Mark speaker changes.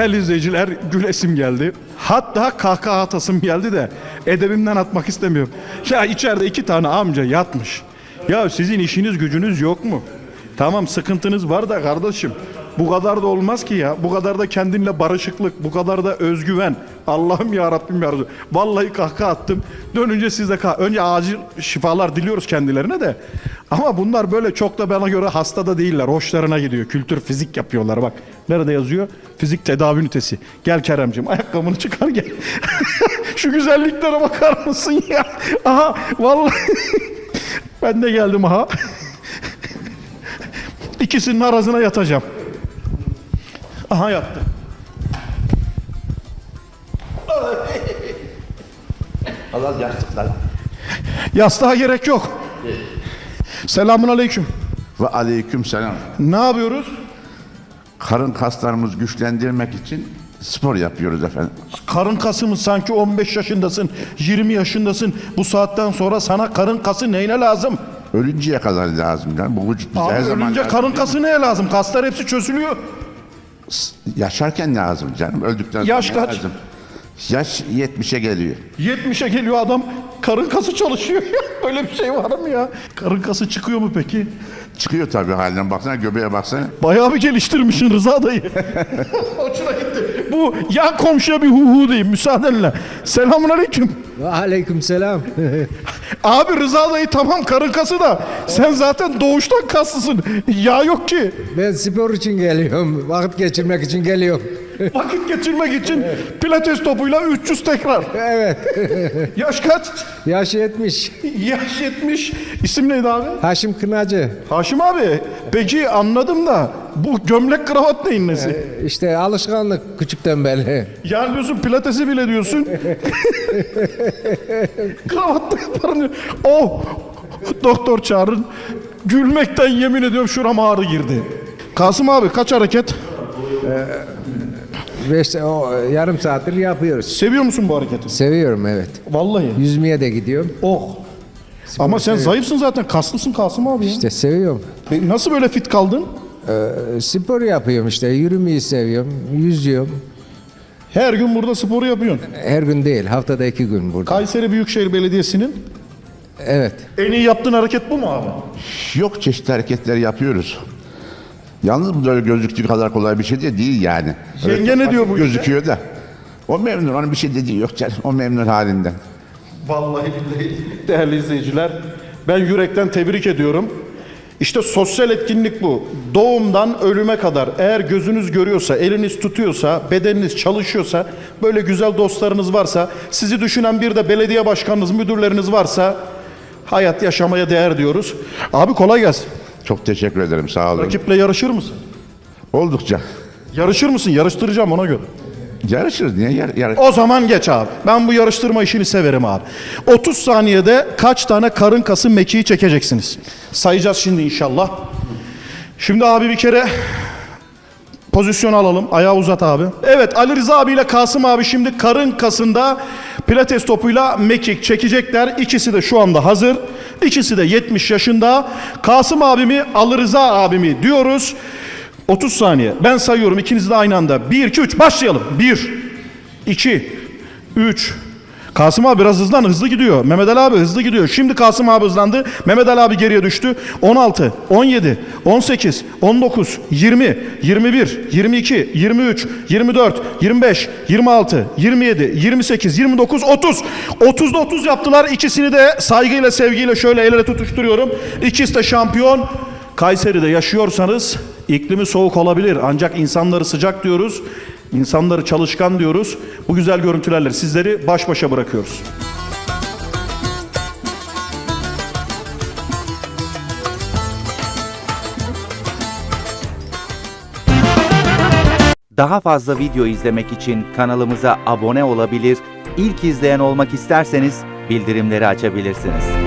Speaker 1: Değerli izleyiciler, gülesim geldi. Hatta kahkaha atasım geldi de edebimden atmak istemiyorum. Ya içeride 2 tane amca yatmış. Ya sizin işiniz gücünüz yok mu? Tamam, sıkıntınız var da kardeşim. Bu kadar da olmaz ki ya. Bu kadar da kendinle barışıklık, bu kadar da özgüven. Allah'ım ya Rabbim ya Resulallah. Vallahi kahkaha attım. Dönünce siz de önce acil şifalar diliyoruz kendilerine de. Ama bunlar böyle çok da bana göre hasta da değiller. Hoşlarına gidiyor. Kültür fizik yapıyorlar bak. Nerede yazıyor? Fizik tedavi ünitesi. Gel Keremciğim, ayakkabını çıkar gel. Şu güzelliklere bakar mısın ya? Aha vallahi ben de geldim aha. İkisinin arasına yatacağım. Aha yattı.
Speaker 2: Allah yastıklar.
Speaker 1: Yastığa gerek yok. Selamun aleyküm.
Speaker 2: Ve aleyküm selam.
Speaker 1: Ne yapıyoruz?
Speaker 2: Karın kaslarımızı güçlendirmek için spor yapıyoruz efendim.
Speaker 1: Karın kası mı? Sanki 15 yaşındasın, 20 yaşındasın. Bu saatten sonra sana karın kası neyine lazım?
Speaker 2: Ölünceye kadar lazım canım. Bu vücut bize
Speaker 1: Abi
Speaker 2: her zaman
Speaker 1: ölünce
Speaker 2: lazım.
Speaker 1: karın kası neye lazım? Kaslar hepsi çözülüyor.
Speaker 2: Yaşarken lazım canım. Öldükten sonra
Speaker 1: Yaş kaç?
Speaker 2: lazım. Yaş 70'e geliyor.
Speaker 1: 70'e geliyor adam, karın kası çalışıyor. Böyle bir şey var mı ya? Karın kası çıkıyor mu peki?
Speaker 2: Çıkıyor tabii halinden. Baksana göbeğe baksana.
Speaker 1: Bayağı bir geliştirmişsin Rıza dayı. Hoşuna gitti. Bu yan komşuya bir hu diyeyim müsaadenle. Selamun aleyküm.
Speaker 3: Aleykümselam.
Speaker 1: Abi Rıza dayı tamam karın kası da sen zaten doğuştan kaslısın. Yağ yok ki.
Speaker 3: Ben spor için geliyorum. Vakit geçirmek için geliyorum.
Speaker 1: Vakit geçirmek için pilates topuyla 300 tekrar.
Speaker 3: Evet.
Speaker 1: Yaş kaç?
Speaker 3: Yaş 70.
Speaker 1: Yaş 70. İsim neydi abi?
Speaker 3: Haşim Kınacı.
Speaker 1: Haşim abi. Peki anladım da bu gömlek kravat neyin nesi?
Speaker 3: İşte alışkanlık küçükten beri.
Speaker 1: Yani diyorsun pilatesi bile diyorsun. Kravatla yaparım diyor. Oh! Doktor çağırın. Gülmekten yemin ediyorum şurama ağrı girdi. Kasım abi kaç hareket?
Speaker 3: Yarım saattir yapıyoruz.
Speaker 1: Seviyor musun bu hareketi?
Speaker 3: Seviyorum evet.
Speaker 1: Vallahi.
Speaker 3: Yüzmeye de gidiyorum.
Speaker 1: Oh. Ama sen zayıfsın zaten. Kaslısın Kasım abi ya.
Speaker 3: İşte seviyorum.
Speaker 1: Peki nasıl böyle fit kaldın?
Speaker 3: Spor yapıyorum işte. Yürümeyi seviyorum. Yüzüyorum.
Speaker 1: Her gün burada sporu yapıyorsun.
Speaker 3: Her gün değil. Haftada 2 gün burada.
Speaker 1: Kayseri Büyükşehir Belediyesi'nin
Speaker 3: Evet.
Speaker 1: en iyi yaptığın hareket bu mu abi?
Speaker 2: Yok çeşitli hareketler yapıyoruz. Yalnız bu da öyle gözüktüğü kadar kolay bir şey de değil yani.
Speaker 1: Yenge ne diyor bu işe?
Speaker 2: Gözüküyor da. O memnun. Onun bir şey dediği yok canım. O memnun halinden.
Speaker 1: Vallahi billahi değerli izleyiciler, ben yürekten tebrik ediyorum. İşte sosyal etkinlik bu. Doğumdan ölüme kadar eğer gözünüz görüyorsa, eliniz tutuyorsa, bedeniniz çalışıyorsa, böyle güzel dostlarınız varsa, sizi düşünen bir de belediye başkanınız, müdürleriniz varsa hayat yaşamaya değer diyoruz. Abi kolay gelsin.
Speaker 2: Çok teşekkür ederim. Sağ olun.
Speaker 1: Rakiple yarışır mısın?
Speaker 2: Oldukça.
Speaker 1: Yarışır mısın? Yarıştıracağım ona göre.
Speaker 2: Yarışırız. Niye yarış?
Speaker 1: O zaman geç abi. Ben bu yarıştırma işini severim abi. 30 saniyede kaç tane karın kası mekiği çekeceksiniz? Sayacağız şimdi inşallah. Şimdi abi bir kere pozisyon alalım. Ayağı uzat abi. Evet, Ali Rıza abiyle Kasım abi şimdi karın kasında pilates topuyla mekik çekecekler. İkisi de şu anda hazır. İkisi de 70 yaşında. Kasım abimi, Ali Rıza abimi diyoruz. 30 saniye. Ben sayıyorum, ikiniz de aynı anda. 1, 2, 3 başlayalım. 1, 2, 3. Kasım abi biraz hızlı gidiyor. Mehmet Ali abi hızlı gidiyor. Şimdi Kasım abi hızlandı. Mehmet Ali abi geriye düştü. 16, 17, 18, 19, 20, 21, 22, 23, 24, 25, 26, 27, 28, 29, 30. 30'da 30 yaptılar. İkisini de saygıyla, sevgiyle şöyle el ele tutuşturuyorum. İkisi de şampiyon. Kayseri'de yaşıyorsanız iklimi soğuk olabilir ancak insanları sıcak diyoruz. İnsanları çalışkan diyoruz. Bu güzel görüntülerle sizleri baş başa bırakıyoruz.
Speaker 4: Daha fazla video izlemek için kanalımıza abone olabilir, ilk izleyen olmak isterseniz bildirimleri açabilirsiniz.